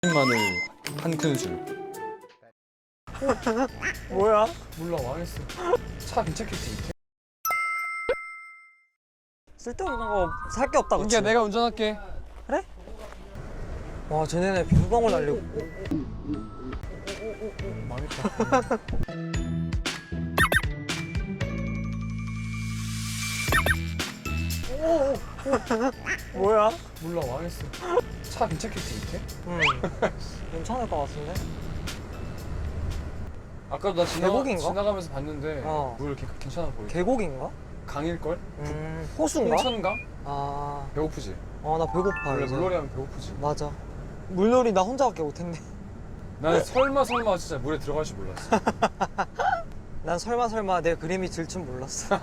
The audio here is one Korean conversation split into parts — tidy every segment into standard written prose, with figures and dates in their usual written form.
마늘 한 큰술. 뭐야? 몰라, 망했어. 차 괜찮겠지? 쓸데없는 거 살 게 없다 그치? 인기야, 내가 운전할게. 그래? 와 쟤네네 비방울 날리고 망했다. 뭐야? 몰라, 망했어. 차 괜찮겠지, 이렇게? 괜찮을 것 같은데? 아까도 나 계곡인가? 지나가면서 봤는데 어. 물 이렇게 괜찮아 보이지? 계곡인가? 강일걸? 호수인가? 홍천강? 아... 배고프지? 나 배고파 원래 이제. 물놀이 하면 배고프지. 맞아. 물놀이 나 혼자밖에 못했네. 난 설마 진짜 물에 들어갈 줄 몰랐어. 난 설마 내 그림이 질 줄 몰랐어.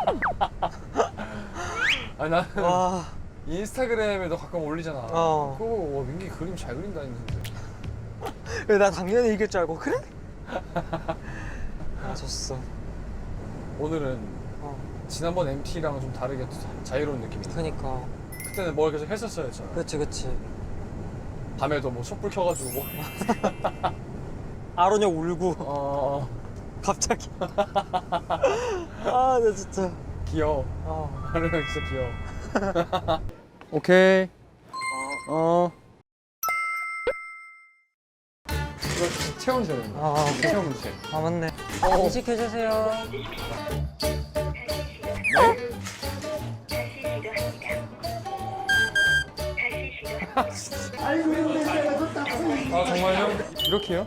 아니 나는 와... 인스타그램에도 가끔 올리잖아. 어. 그거 와, 민기 그림 잘 그린다 했는데. 나 당연히 이길 줄 알고 그래? 아 졌어. 오늘은 어. 지난번 MT랑 좀 다르게 자유로운 느낌이네. 그니까. 그때는 뭘 계속 했었어야 했잖아. 그치. 밤에도 뭐 촛불 켜가지고 뭐. 아로냐 울고 어 갑자기. 아 나 진짜. 귀여워. 어. 하루형 진짜 귀여워. 오케이. 이거 체온 재는 거. 아, 체온 문제. 아 맞네. 어. 인식해주세요. 아 정말요? 이렇게요?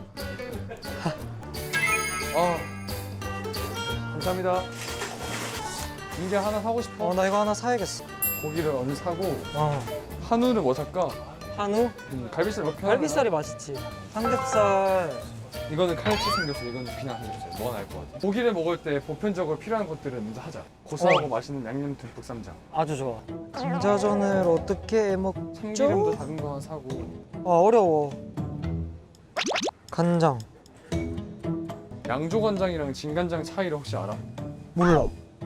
감사합니다. 민기 하나 사고 싶어? 나 이거 하나 사야겠어. 고기를 어느 사고 어. 한우는 뭐 살까? 한우? 갈비살 몇 편? 갈비살이 맛있지. 삼겹살. 이거는 칼치 삼겹살, 이거는 그냥 삼겹살. 뭐가 나을 것 같아? 고기를 먹을 때 보편적으로 필요한 것들은 먼저 하자. 고소하고 맛있는 양념 듬뿍 쌈장. 아주 좋아. 감자전을 어떻게 먹죠? 참기름도 작은 거 하나 사고. 어려워. 간장. 양조간장이랑 진간장 차이를 혹시 알아? 몰라.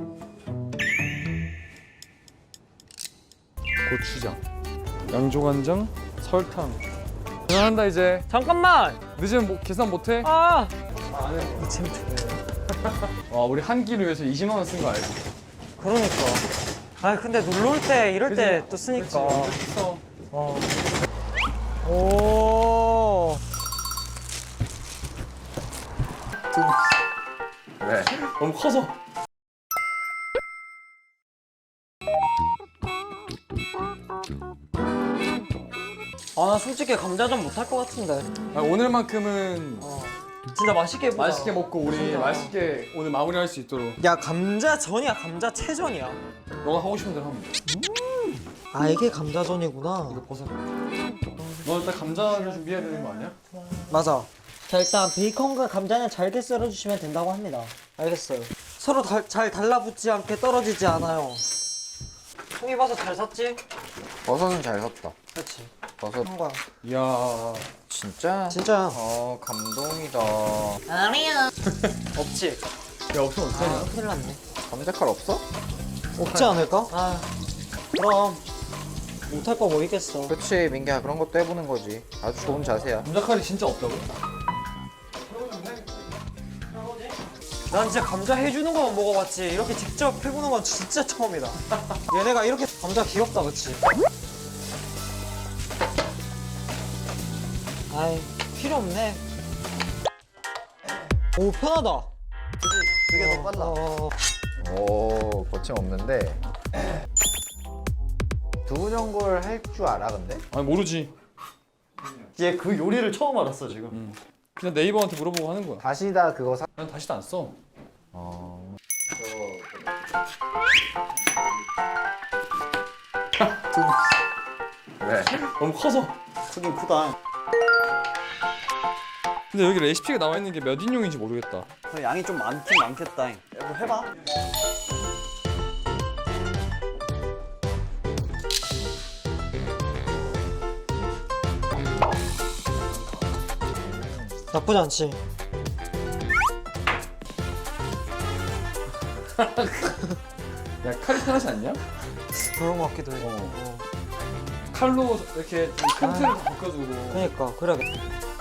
고추장, 양조간장, 설탕. 계산한다 이제. 잠깐만. 늦으면 계산 못해? 아. 안 해. 이 재밌네. 와, 우리 한 끼를 위해서 20만 원 쓴 거 알지? 그러니까. 아 근데 놀러 올 때 이럴 때 또 쓰니까. 써. 어. 오. 왜? 너무 커서. 나 솔직히 감자전 못할 것 같은데. 오늘만큼은 진짜 맛있게 해보자. 맛있게 먹고 우리 진짜. 맛있게 오늘 마무리할 수 있도록. 야 감자전이야 감자채전이야. 너가 하고 싶은 대로 하면 돼. 아 이게 감자전이구나. 이거 벗어. 너 일단 감자를 준비해야 되는 거 아니야? 맞아. 자 일단 베이컨과 감자는 잘게 썰어주시면 된다고 합니다. 알겠어요. 서로 잘 달라붙지 않게 떨어지지 않아요. 송이버섯 잘 샀지? 버섯은 잘 샀다. 그렇지. 버섯 한 거야. 이야. 진짜? 진짜야. 감동이다. 없지? 야, 없으면 어떡하냐? 큰일 났네. 감자칼 없어? 없지 않을까? 그럼 못할 거 뭐 있겠어. 그치 민기야 그런 것도 해보는 거지. 아주 좋은 자세야. 감자칼이 진짜 없다고? 난 진짜 감자 해주는 거만 먹어봤지 이렇게 직접 해보는 건 진짜 처음이다. 얘네가 이렇게 감자 귀엽다 그치? 아이 필요 없네. 오 편하다. 그게 더 빨라. 오 거침없는데. 두부전골 할 줄 알아 근데? 아니, 모르지. 얘 그 요리를 처음 알았어 지금. 그냥 네이버한테 물어보고 하는 거야. 다시다 그거 사. 난 다시도 안 써. 왜? 너무 커서. 크긴 크다. 근데 여기 레시피가 나와 있는 게 몇 인용인지 모르겠다. 양이 좀 많긴 많겠다. 뭐 해봐. 나쁘지 않지? 야, 칼이 편하지 않냐? 그런 거 같기도 해. 칼로 이렇게 좀 큰 틀을 벗겨주고. 그러니까 그래야겠다.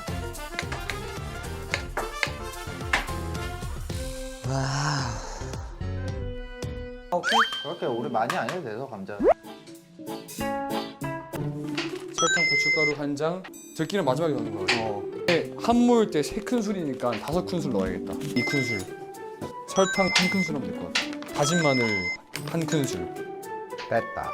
와. 오케이. 그렇게 오래 많이 안 해도 돼서 감자. 설탕, 고춧가루 한 장. 들기름 마지막에 넣는 거예요. 한 모일 때 3큰술이니까 5큰술 넣어야겠다. 2큰술. 설탕 1큰술 하면 될 것 같아. 다진 마늘 1큰술. 됐다.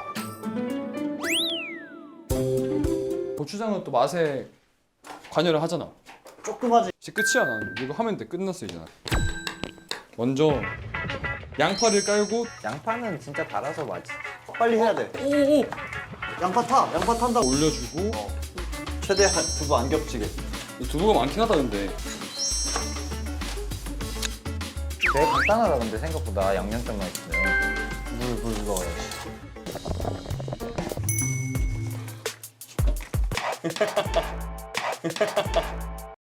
고추장은 또 맛에 관여를 하잖아. 조금 하지. 이제 끝이야 난. 이거 하면 돼. 끝났어 이제 난. 먼저 양파를 깔고 양파는 진짜 달아서 맛있어. 빨리 해야 돼. 오오 양파 타. 양파 탄다. 올려주고 최대한 두부 안 겹치게. 이 두부가 많긴 하다 근데. 되게 간단하다 근데 생각보다 양념장만 있으면 물 넣어야지.